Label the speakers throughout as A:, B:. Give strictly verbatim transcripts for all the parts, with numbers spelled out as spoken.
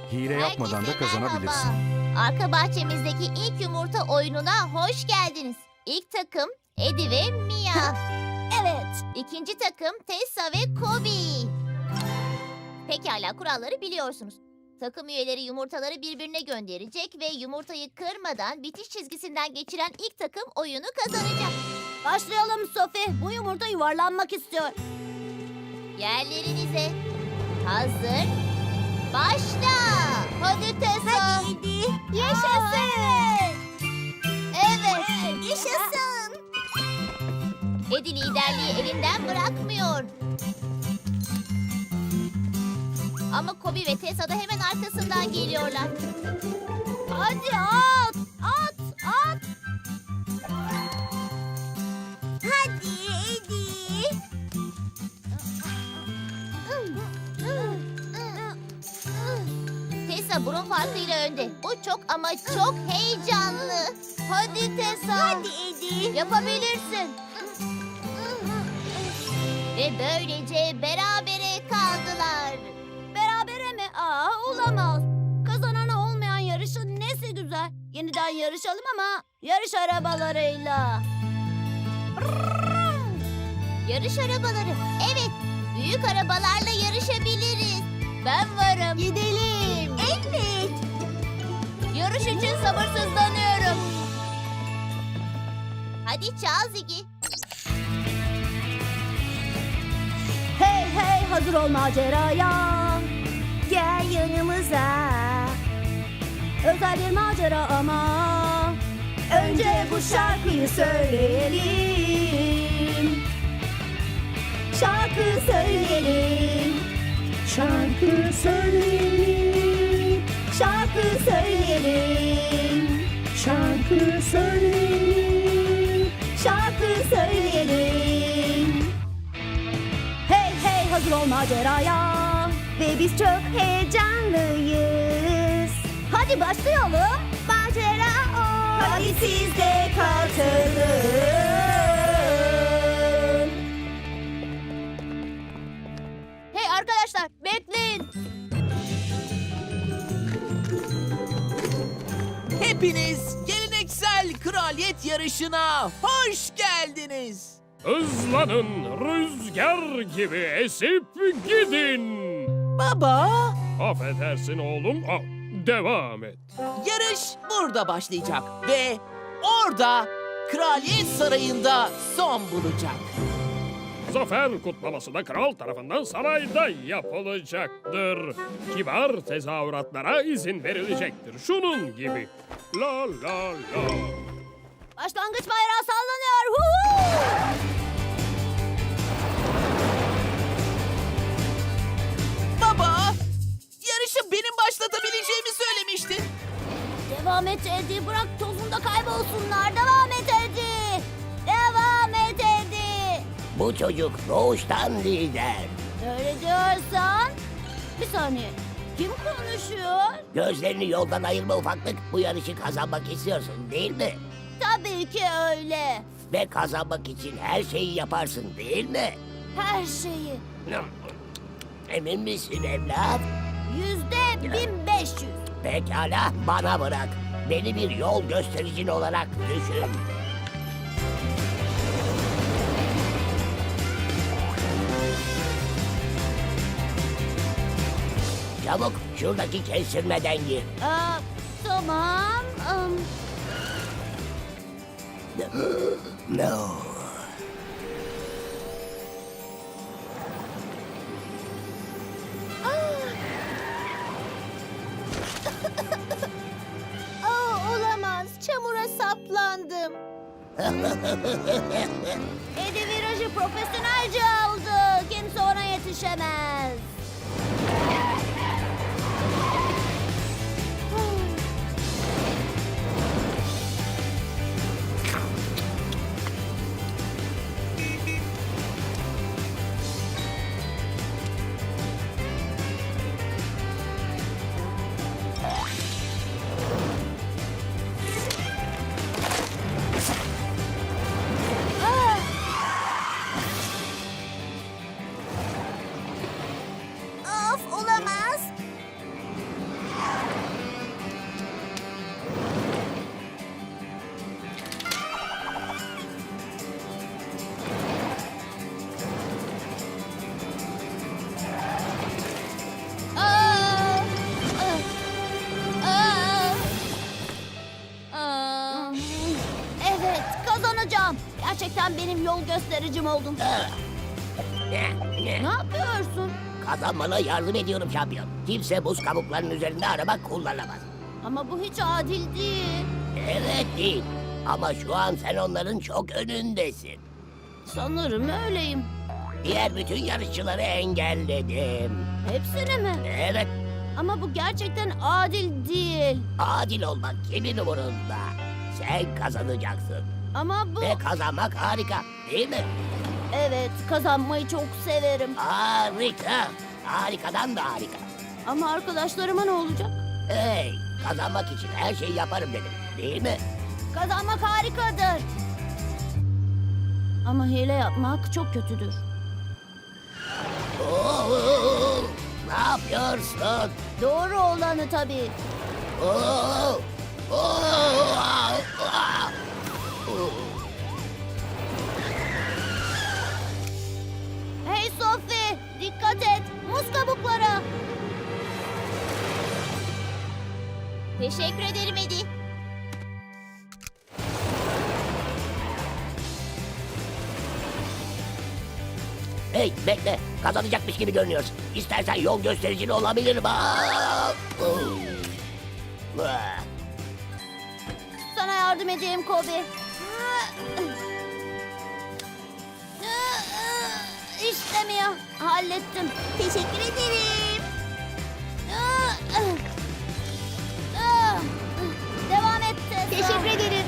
A: Hile yapmadan da
B: Herkese
A: kazanabilirsin.
B: merhaba. Arka bahçemizdeki ilk yumurta oyununa hoş geldiniz. İlk takım Eddie ve Mia. Evet. İkinci takım Tessa ve Kobe. Pekala, kuralları biliyorsunuz. Takım üyeleri yumurtaları birbirine gönderecek ve yumurtayı kırmadan bitiş çizgisinden geçiren ilk takım oyunu kazanacak.
C: Başlayalım Sophie. Bu yumurta yuvarlanmak istiyor.
B: Yerlerinize. Hazır. Başla. Hadi Tessa.
C: Hadi.
B: Yaşasın. Evet.
C: Yaşasın.
B: Eddie liderliği elinden bırakmıyor. Ama Kobe ve Tessa da hemen arkasından geliyorlar.
C: Hadi at. At. At. Hadi Eddie.
B: Tessa burun farkıyla önde. Bu çok ama çok heyecanlı. Hadi Tessa.
C: Hadi Eddie.
B: Yapabilirsin. Ve böylece berabere kaldılar.
C: Berabere mi? Aa, olamaz. Kazanana olmayan yarışın nesi güzel. Yeniden yarışalım ama yarış arabalarıyla.
B: Yarış arabaları. Evet, büyük arabalarla yarışabiliriz. Ben varım.
C: Gidelim.
B: Evet. Yarış için sabırsızlanıyorum. Hadi çal Ziggy.
C: Hey hey, hazır ol maceraya. Gel yanımıza. Özel bir macera ama önce bu şarkıyı söyleyelim. Şarkı söyleyelim.
D: Şarkı söyleyelim,
C: Şarkı söyleyelim.
D: şarkı söyleyelim.
C: Şarkı söyleyelim. Hey hey, hazır ol maceraya. Ve biz çok heyecanlıyız. Hadi başlayalım. Macera o. Hadi siz de katılın. Hey arkadaşlar, bekleyin.
E: Hepiniz geleneksel kraliyet yarışına hoş geldiniz.
F: Hızlanın, rüzgar gibi esip gidin.
E: Baba,
F: Affedersin oğlum, al, devam et.
E: yarış burada başlayacak ve orada Kraliyet Sarayı'nda son bulacak.
F: Zafer kutlaması da kral tarafından sarayda yapılacaktır. Kibar tezahüratlara izin verilecektir. Şunun gibi. La la la.
C: Başlangıç bayrağı sallanıyor. Huhu!
E: Baba, yarışı benim başlatabileceğimi söylemiştin.
C: Devam et Eddie. Bırak tozunda kaybolsunlar. Devam et Eddie. Devam et Eddie.
G: Bu çocuk doğuştan lider.
C: Öyle diyorsan. Bir saniye. Kim konuşuyor?
G: Gözlerini yoldan ayırma ufaklık. Bu yarışı kazanmak istiyorsun değil mi?
C: Tabii ki öyle.
G: Ve kazanmak için her şeyi yaparsın değil mi?
C: Her şeyi.
G: Emin misin evlat?
C: Yüzde bin beş yüz.
G: Pekala bana bırak. Beni bir yol göstericin olarak düşün. Çabuk şuradaki kestirmeden gir.
C: Aa, tamam. Am,
G: No.
B: Aa, olamaz. Çamura saplandım.
C: Eddie virajı profesyonelce aldı. Kimse ona yetişemez. Gerçekten benim yol göstericim oldun.
G: Ne?
C: Ne
G: Ne?
C: yapıyorsun?
G: Kazanmana yardım ediyorum şampiyon. Kimse buz kabuklarının üzerinde araba kullanamaz.
C: Ama bu hiç adil değil.
G: Evet değil. Ama şu an sen onların çok önündesin.
C: Sanırım öyleyim.
G: Diğer bütün yarışçıları engelledim.
C: Hepsini mi?
G: Evet,
C: Ama bu gerçekten adil değil.
G: adil olmak kimin umurunda? Sen kazanacaksın.
C: Ama bu...
G: Ve kazanmak harika, değil mi?
C: Evet, kazanmayı çok severim.
G: Harika. Harikadan da harika.
C: Ama arkadaşlarıma ne olacak?
G: Hey, kazanmak için her şeyi yaparım dedim, değil mi?
C: Kazanmak harikadır. Ama hile yapmak çok kötüdür.
G: Oo, ne yapıyorsun?
C: Doğru olanı tabii.
G: Oo, oo, aa, aa. Oo.
C: Hey Sophie, dikkat et. Muz kabukları.
B: Teşekkür ederim Edi.
G: Hey, bekle. Kazanacakmış gibi görünüyorsun. İstersen yol göstericin olabilirim. Aa, oo. Ah.
C: Sana yardım edeyim Kobe. İşte Mia, hallettim. Teşekkür ederim. Devam et Tessa.
B: Teşekkür ederim.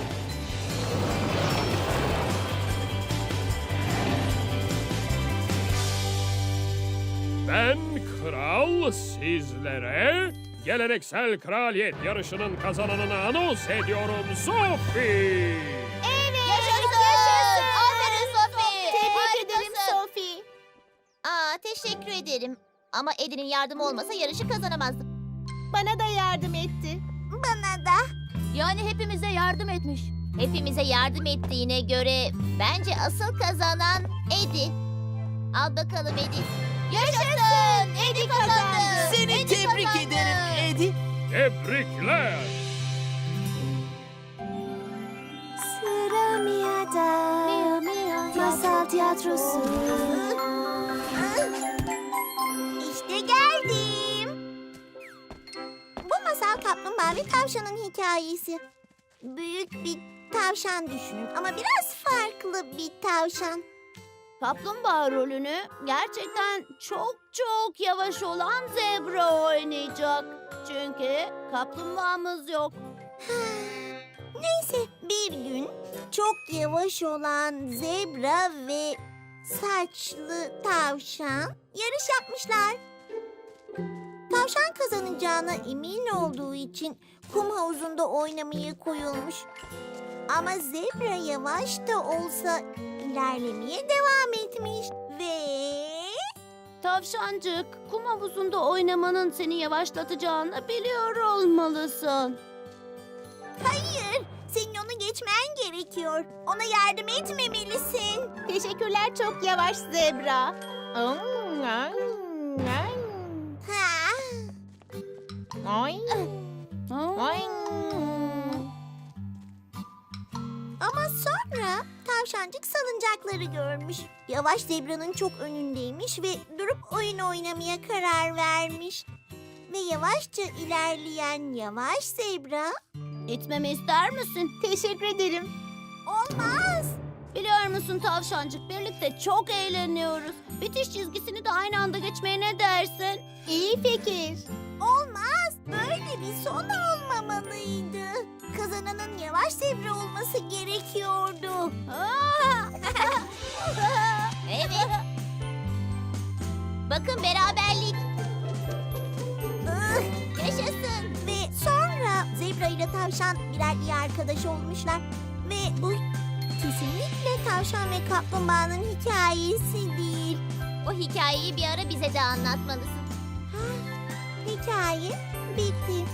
F: Ben kral sizlere geleneksel kraliyet yarışının kazananını anons ediyorum Sophie.
B: Evet. Yaşasın. Yaşasın. Aferin Sophie.
C: Tebrik ederim
B: Sophie. Aa, teşekkür ederim. Ama Edi'nin yardımı olmasa yarışı kazanamazdım.
C: Bana da yardım etti.
B: Bana da. Yani hepimize yardım etmiş. Hepimize yardım ettiğine göre bence asıl kazanan Edi. Al bakalım Edi. Yaşasın! Edi kazandı.
E: Seni
B: Edi
E: tebrik
B: kazandı.
E: ederim Edi.
F: Tebrikler.
C: Sıra Mia'da. Mia, Mia. Masal tiyatrosu.
A: İşte geldim. Bu masal kaplumbağa ve tavşanın hikayesi. Büyük bir tavşan düşünün ama biraz farklı bir tavşan.
C: Kaplumbağa rolünü gerçekten çok çok yavaş olan zebra oynayacak. Çünkü kaplumbağamız yok.
A: Neyse bir gün çok yavaş olan zebra ve saçlı tavşan yarış yapmışlar. Tavşan kazanacağına emin olduğu için kum havuzunda oynamaya koyulmuş. Ama zebra yavaş da olsa ilerlemeye devam etmiş ve...
C: Tavşancık, kum havuzunda oynamanın seni yavaşlatacağını biliyor olmalısın.
A: Hayır, senin onu geçmen gerekiyor. Ona yardım etmemelisin. Teşekkürler çok yavaş zebra. Ha. Ama sonra tavşancık salıncakları görmüş. Yavaş zebranın çok önündeymiş ve durup oyun oynamaya karar vermiş. Ve yavaşça ilerleyen yavaş zebra...
C: İtmemi ister misin?
A: Teşekkür ederim. Olmaz.
C: Biliyor musun tavşancık, birlikte çok eğleniyoruz. Bitiş çizgisini de aynı anda geçmeye ne dersin?
A: İyi fikir. Olmaz. Böyle bir son olmamalıydı. Kazananın yavaş zebra olması gerekiyordu.
B: Evet. Bakın beraberlik.
A: Ah,
B: Yaşasın.
A: Ve sonra zebra ile tavşan birer iyi arkadaş olmuşlar. Ve bu kesinlikle tavşan ve kaplumbağanın hikayesi değil.
B: O hikayeyi bir ara bize de anlatmalısın.
A: Hikaye bitti.